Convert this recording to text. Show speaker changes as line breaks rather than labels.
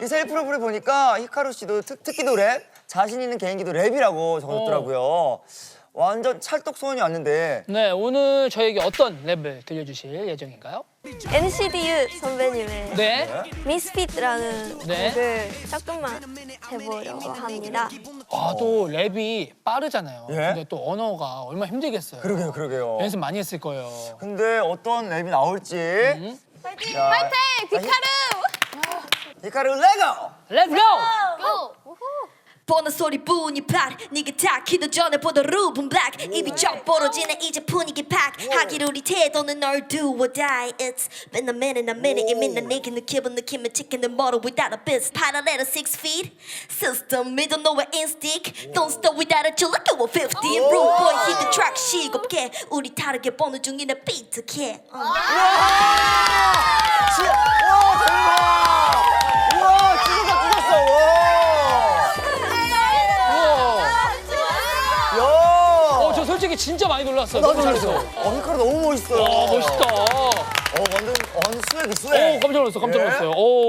이 셀프 프로필 보니까 히카루 씨도 특기도 랩, 자신 있는 개인기도 랩이라고 적었더라고요. 완전 찰떡 소원이 왔는데.
네, 오늘 저에게 어떤 랩을 들려주실 예정인가요?
NCDU 선배님의
네.
미스핏라는
네.
곡을 조금만 해보려고 합니다.
아, 또 랩이 빠르잖아요.
예?
근데 또 언어가 얼마나 힘들겠어요.
그러게요.
연습 많이 했을 거예요.
근데 어떤 랩이 나올지.
파이팅!
자,
파이팅! 비카루!
히카루 레고!
Let's go!
보는 소리뿐이 팍 네가 다 키도 전에 보던 루븐 블랙 입이 쩍 벌어지네 이제 분위기 팍 하기로 우리 태도는 널 do or die It's been a minute 이미 난 내게 느껴본 느낌을 지키는 멀어 without a biz parallel 6 feet system we don't know where instinct don't stop without a chill like you were 15 rude boy hit the track 시겁게 우리 다르게 보는 중이네 비트게
와, 대박! 우와, 찢었어. 야!
저 솔직히 진짜 많이 놀랐어요.
나도
너무 잘했어.
놀랐어. 히카루 너무 멋있어요.
와, 멋있다.
완전 스웩이 스웩.
오, 깜짝 놀랐어.
예?
오.